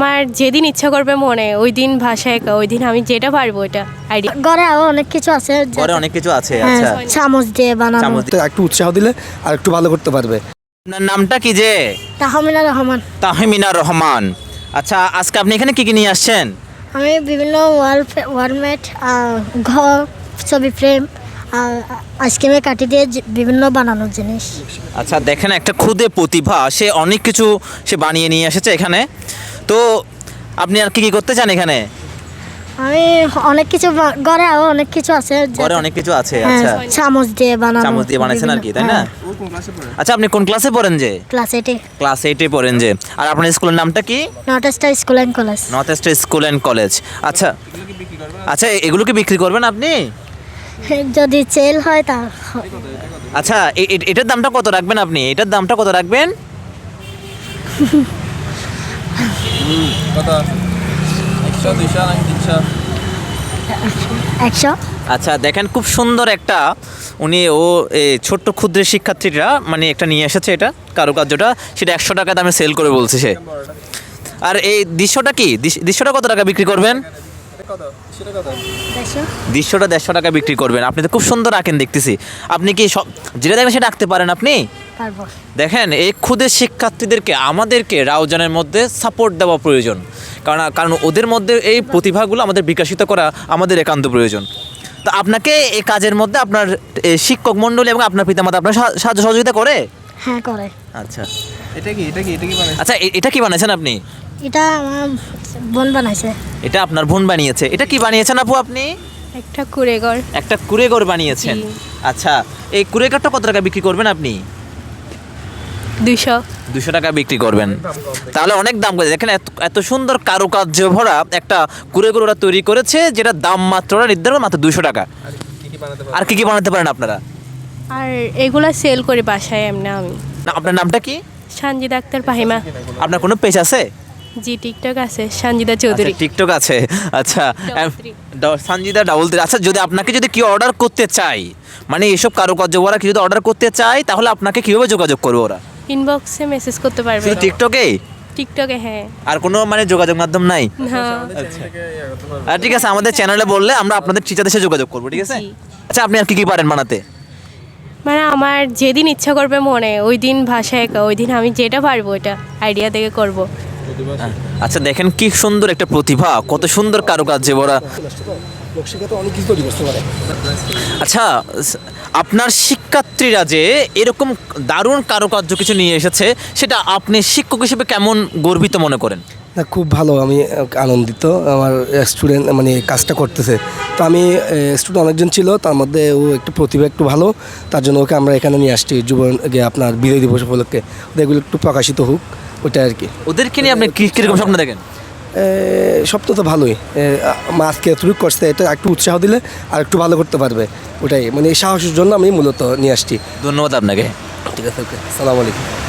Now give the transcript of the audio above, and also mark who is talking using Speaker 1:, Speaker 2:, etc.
Speaker 1: আমার যেদিন ইচ্ছা করবে মনে ওই দিন ভাষা একা, ওই দিন আমি যেটা পারবো ওটা আইডিয়া।
Speaker 2: ঘরে আরো অনেক কিছু আছে,
Speaker 3: ঘরে অনেক কিছু আছে।
Speaker 2: হ্যাঁ,
Speaker 3: আচ্ছা,
Speaker 2: চামচ দিয়ে বানানো।
Speaker 3: চামচ
Speaker 4: তো একটু উৎসাহ দিলে আর একটু ভালো করতে পারবে।
Speaker 3: আপনার নামটা কি যে?
Speaker 2: তাহমিনা রহমান।
Speaker 3: তাহমিনা রহমান। আচ্ছা, আজকে আপনি এখানে কি কি নিয়ে আসছেন?
Speaker 2: আমি বিভিন্ন ওয়ালমেট, ঘর, ছবি ফ্রেম, আইসক্রিমে কাটি দিয়ে বিভিন্ন বানানোর জিনিস।
Speaker 3: আচ্ছা, দেখেন একটা ক্ষুদে প্রতিভা, সে অনেক কিছু সে বানিয়ে নিয়ে এসেছে এখানে। তো আপনি আর কি কি করতে চান এখানে?
Speaker 2: আমি অনেক কিছু ঘরে আরো অনেক কিছু আছে,
Speaker 3: ঘরে অনেক কিছু আছে।
Speaker 2: হ্যাঁ,
Speaker 3: আচ্ছা,
Speaker 2: চামচ দিয়ে বানানো।
Speaker 3: চামচ দিয়ে বানাইছেন আর কি, তাই না?
Speaker 2: হ্যাঁ।
Speaker 3: আচ্ছা, আপনি কোন ক্লাসে পড়েন যে?
Speaker 2: ক্লাস 8-এ।
Speaker 3: ক্লাস 8-এ পড়েন যে। আর আপনার স্কুলের নামটা কি?
Speaker 2: North star school and college.
Speaker 3: North east school and college. আচ্ছা আচ্ছা, এগুলো কি বিক্রি করবেন আপনি?
Speaker 2: যদি সেল হয় তা।
Speaker 3: আচ্ছা, এটার দামটা কত রাখবেন আপনি? এটার দামটা কত রাখবেন?
Speaker 5: কত? 100, 200 নাকি 300?
Speaker 2: 100।
Speaker 3: আচ্ছা, দেখেন খুব সুন্দর একটা ছোট্ট ক্ষুদ্র শিক্ষার্থীরা মানে একটা নিয়ে এসেছে এটা কারুকার্যটা, সেটা 100 টাকা দামে সেল করে বলছে সে। আর এই দৃশ্যটা কি? দৃশ্যটা কত টাকা বিক্রি করবেন?
Speaker 5: কত? সেটা কত?
Speaker 2: 100।
Speaker 3: দৃশ্যটা 150 টাকা বিক্রি করবেন। আপনি তো খুব সুন্দর আঁকেন দেখতেছি। আপনি কি সব যেটা দেখেন সেটা আঁকতে পারেন আপনি?
Speaker 2: পারবো।
Speaker 3: দেখেন, এই ক্ষুদে শিক্ষার্থীদেরকে আমাদেরকে রাউজানের মধ্যে সাপোর্ট দেওয়া প্রয়োজন, কারণ ওদের মধ্যে এই প্রতিভাগুলো আমাদের বিকশিত করা আমাদের একান্ত প্রয়োজন। তো আপনাকে এই কাজের মধ্যে আপনার শিক্ষক মণ্ডলী এবং আপনার পিতামাতা আপনার সাহায্য সহযোগিতা করে?
Speaker 2: হ্যাঁ, করে।
Speaker 3: আচ্ছা
Speaker 5: এটা কি বানাইছে?
Speaker 3: আচ্ছা, এটা কি বানিয়েছেন আপনি?
Speaker 2: এটা আমার বোন বানাইছে।
Speaker 3: এটা আপনার বোন বানিয়েছে। এটা কি বানিয়েছেন আপু আপনি?
Speaker 1: একটা কুড়েঘর।
Speaker 3: একটা কুড়েঘর বানিয়েছেন।
Speaker 1: জি।
Speaker 3: আচ্ছা, এই কুড়েঘরটা কত টাকা বিক্রি করবেন আপনি?
Speaker 1: 200
Speaker 3: টাকা বিক্রি করবেন। তাহলে অনেক দাম করে। দেখেন এত সুন্দর কারুকার্য ভরা একটা কুড়েঘর ওরা তৈরি করেছে, যেটা দাম মাত্র ওরা নির্ধারণ মাত্র 200 টাকা। আর কি কি বানাতে পারেন আপনারা?
Speaker 1: আর এগুলা সেল করি বাসায় এমনি আমি।
Speaker 3: না, আপনার নামটা কি?
Speaker 1: সানজিদা আক্তার ফাহিমা।
Speaker 3: আপনার কোনো পেজ আছে?
Speaker 1: জি, টিকটক আছে, সানজিদা চৌধুরী।
Speaker 3: টিকটক আছে। আচ্ছা,
Speaker 1: 333
Speaker 3: সঞ্জিদা 33। আচ্ছা, আপনাকে যদি কেউ অর্ডার করতে চায়, মানে এইসব কারুকার্য ওরা কি যদি অর্ডার করতে চায়, তাহলে আপনাকে কিভাবে যোগাযোগ করবে ওরা?
Speaker 1: ইনবক্সে মেসেজ করতে পারবে।
Speaker 3: শুধু টিকটকে?
Speaker 1: টিকটকে, হ্যাঁ।
Speaker 3: আর কোনো মানে যোগাযোগ মাধ্যম নাই?
Speaker 1: না।
Speaker 3: আর ঠিক আছে, আমাদের চ্যানেলে বললে আমরা আপনাদের টিচারদের সাথে যোগাযোগ করবো, ঠিক আছে?
Speaker 1: জি।
Speaker 3: আচ্ছা, আপনি আর কি কি পারেন বানাতে?
Speaker 1: মানে আমার যেদিন ইচ্ছা করবে মনে ওই দিন ভাষা একা, ওই দিন আমি যেটা পারবো ওটা আইডিয়া থেকে করব।
Speaker 3: আচ্ছা, দেখেন কি সুন্দর একটা প্রতিভা, কত সুন্দর কারুকার্য ওরা।
Speaker 4: অনেক কিছু তৈরি করতে পারে।
Speaker 3: আচ্ছা, আপনার শিক্ষার্থীরা যে এরকম দারুণ কারুকার্য কিছু নিয়ে এসেছে, সেটা আপনি শিক্ষক হিসেবে কেমন গর্বিত মনে করেন?
Speaker 4: না, খুব ভালো, আমি আনন্দিত। আমার স্টুডেন্ট মানে কাজটা করতেছে। তো আমি স্টুডেন্ট অনেকজন ছিল, তার মধ্যে ও একটু প্রতিভা একটু ভালো, তার জন্য ওকে আমরা এখানে নিয়ে আসছি আপনার বিজয় দিবস উপলক্ষে। এগুলো একটু প্রকাশিত হোক, ওটা আর কি।
Speaker 3: ওদেরকে নিয়ে আপনি কীরকম স্বপ্ন দেখেন?
Speaker 4: সব তো ভালোই। আজকে এতটুকু করছে, এটা একটু উৎসাহ দিলে আর একটু ভালো করতে পারবে, ওটাই মানে এই সাহসের জন্য আমি মূলত নিয়ে আসছি।
Speaker 3: ধন্যবাদ আপনাকে।
Speaker 4: ঠিক আছে, ওকে, আসসালামু আলাইকুম।